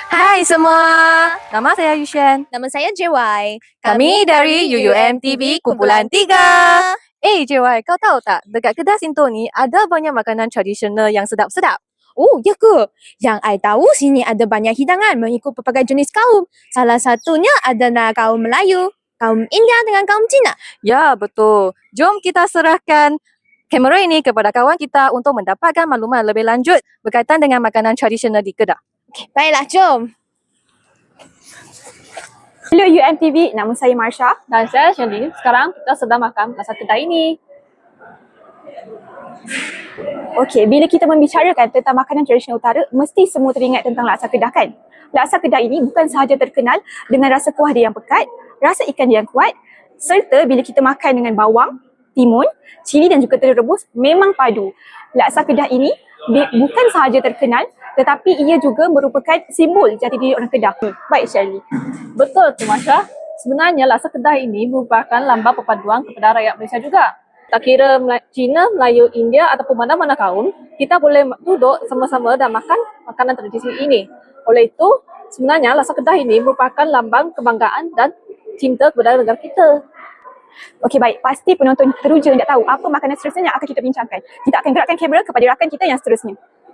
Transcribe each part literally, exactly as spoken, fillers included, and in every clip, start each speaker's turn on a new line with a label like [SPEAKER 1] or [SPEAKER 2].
[SPEAKER 1] Hai semua, nama saya Yushan.
[SPEAKER 2] Nama saya J Y.
[SPEAKER 1] Kami dari U U M T V Kumpulan tiga. Eh J Y, kau tahu tak, dekat kedai Sinto ni ada banyak makanan tradisional yang sedap-sedap.
[SPEAKER 2] Oh, ya ke? Yang I tahu sini ada banyak hidangan mengikut pelbagai jenis kaum. Salah satunya adalah kaum Melayu, kaum India dengan kaum Cina.
[SPEAKER 1] Ya, betul. Jom kita serahkan kamera ini kepada kawan kita untuk mendapatkan maklumat lebih lanjut berkaitan dengan makanan tradisional di Kedah.
[SPEAKER 2] Okay, baiklah, jom.
[SPEAKER 3] Hello U M T V, nama saya Marsha.
[SPEAKER 1] Dan saya Shelly. Sekarang kita sedang makan masak kedai ini.
[SPEAKER 3] Okey, bila kita membicarakan tentang makanan tradisional utara, mesti semua teringat tentang laksa Kedah kan? Laksa Kedah ini bukan sahaja terkenal dengan rasa kuah dia yang pekat, rasa ikan dia yang kuat, serta bila kita makan dengan bawang, timun, cili dan juga telur rebus, memang padu. Laksa Kedah ini bukan sahaja terkenal, tetapi ia juga merupakan simbol jati diri orang Kedah. Baik Shirley.
[SPEAKER 1] Betul tu Masya. Sebenarnya laksa Kedah ini merupakan lambang perpaduan kepada rakyat Malaysia juga. Tak kira Cina, Melayu, India ataupun mana-mana kaum, kita boleh duduk sama-sama dan makan makanan tradisi ini. Oleh itu, sebenarnya laksa Kedah ini merupakan lambang kebanggaan dan cinta kepada negara kita.
[SPEAKER 3] Okey baik, pasti penonton teruja nak tahu apa makanan seterusnya yang akan kita bincangkan. Kita akan gerakkan kamera kepada rakan kita yang seterusnya.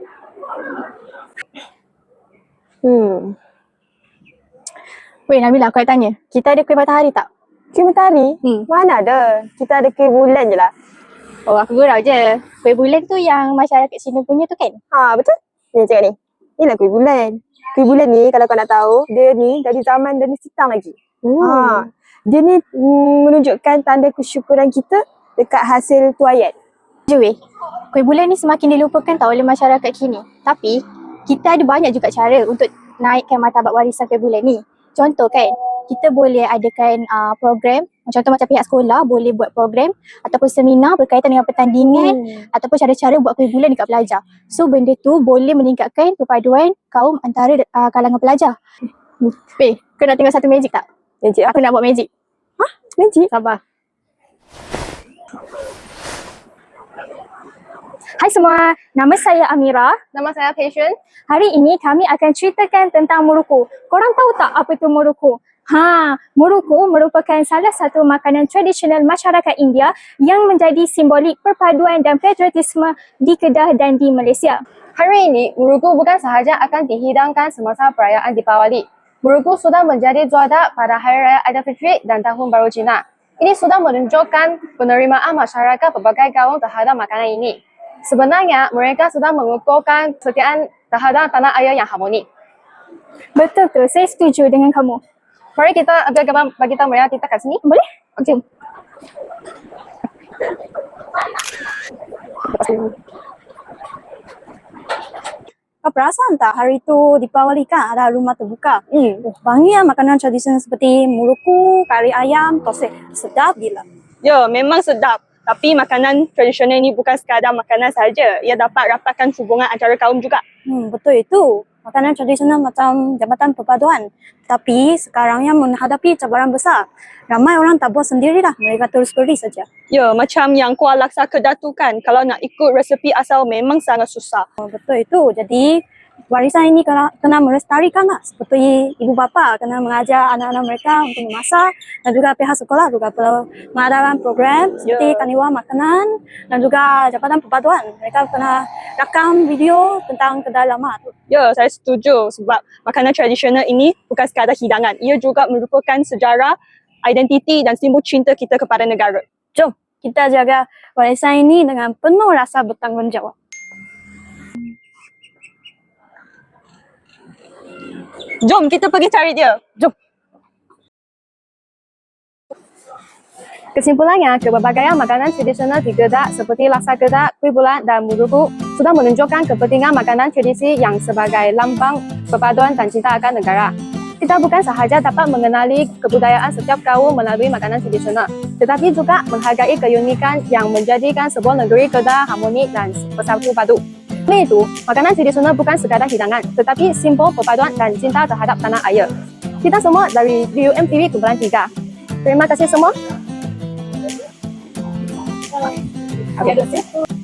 [SPEAKER 4] Hmm. Weh Nabila, aku nak tanya. Kita ada kuih matahari tak?
[SPEAKER 5] Kuih matahari?
[SPEAKER 4] Hmm.
[SPEAKER 5] Mana ada? Kita ada kuih bulan je lah.
[SPEAKER 4] Oh, aku gurau je. Kuih bulan tu yang masyarakat Cina punya tu kan?
[SPEAKER 5] Ha, betul? Ni cakap ni. Inilah kuih bulan. Kuih bulan ni kalau kau nak tahu, dia ni dari zaman dari Sitang lagi.
[SPEAKER 4] Hmm.
[SPEAKER 5] Ha. Dia ni mm, menunjukkan tanda kesyukuran kita dekat hasil tuaian.
[SPEAKER 4] Je weh. Kuih bulan ni semakin dilupakan tau oleh masyarakat kini. Tapi, kita ada banyak juga cara untuk naikkan martabat warisan kuih bulan ni. Contoh kan, kita boleh adakan uh, program, contoh macam pihak sekolah boleh buat program ataupun seminar berkaitan dengan pertandingan hmm. ataupun cara-cara buat kuih bulan dekat pelajar. So benda tu boleh meningkatkan perpaduan kaum antara uh, kalangan pelajar. Weh, kau nak tengok satu magic tak?
[SPEAKER 5] Magic
[SPEAKER 4] Aku nak buat magic.
[SPEAKER 5] Hah? Magic?
[SPEAKER 4] Sabar. Hai semua, nama saya Amira.
[SPEAKER 2] Nama saya Passion.
[SPEAKER 4] Hari ini kami akan ceritakan tentang muruku. Korang tahu tak apa itu muruku? Ha, muruku merupakan salah satu makanan tradisional masyarakat India yang menjadi simbolik perpaduan dan patriotisme di Kedah dan di Malaysia.
[SPEAKER 2] Hari ini, muruku bukan sahaja akan dihidangkan semasa perayaan Deepawali. Muruku sudah menjadi juara pada Hari Raya Aidilfitri dan Tahun Baru Cina. Ini sudah menunjukkan penerimaan masyarakat pelbagai kaum terhadap makanan ini. Sebenarnya, mereka sudah mengukuhkan kesetiaan terhadap tanah air yang harmoni.
[SPEAKER 4] Betul tu, saya setuju dengan kamu.
[SPEAKER 2] Mari kita ambil gambar bagi tahu mereka kita kat sini.
[SPEAKER 4] Boleh?
[SPEAKER 2] Okey.
[SPEAKER 3] Kau perasan tak hari tu Deepawali kan ada rumah terbuka?
[SPEAKER 5] Hmm.
[SPEAKER 3] Oh, banyak makanan tradisional seperti muruku, kari ayam, tosek. Sedap gila.
[SPEAKER 5] Ya, memang sedap. Tapi makanan tradisional ni bukan sekadar makanan sahaja. Ia dapat rapatkan hubungan antara kaum juga.
[SPEAKER 3] Hmm, betul itu. Makanan tradisional macam jabatan perpaduan. Tapi sekarang yang menghadapi cabaran besar. Ramai orang tak buat sendirilah. Mereka terus beri saja.
[SPEAKER 5] Ya, macam yang kuah laksa Kedah tu kan. Kalau nak ikut resepi asal memang sangat susah.
[SPEAKER 3] Oh, betul itu. Jadi warisan ini kena, kena melestarikan lah. Seperti ibu bapa kena mengajar anak-anak mereka untuk memasak. Dan juga pihak sekolah juga perlu mengadakan program seperti
[SPEAKER 5] Ya.
[SPEAKER 3] kaniwa makanan. Dan juga jabatan perpaduan. Mereka kena rakam video tentang kedai lama tu.
[SPEAKER 5] Ya, saya setuju sebab makanan tradisional ini bukan sekadar hidangan. Ia juga merupakan sejarah, identiti dan simbol cinta kita kepada negara.
[SPEAKER 3] Jom kita jaga warisan ini dengan penuh rasa bertanggungjawab.
[SPEAKER 5] Jom kita pergi cari dia. Jom.
[SPEAKER 2] Kesimpulannya, keberbagai makanan tradisional di Kedah seperti laksa Kedah, kuih bulan dan muruku sudah menunjukkan kepentingan makanan tradisi yang sebagai lambang perpaduan dan cinta akan negara. Kita bukan sahaja dapat mengenali kebudayaan setiap kaum melalui makanan tradisional, tetapi juga menghargai keunikan yang menjadikan sebuah negeri Kedah harmoni dan bersatu padu. Oleh itu, makanan tradisional bukan sekadar hidangan, tetapi simbol perpaduan dan cinta terhadap tanah air. Kita semua dari U M T V Kumpulan tiga. Terima kasih semua. Okay.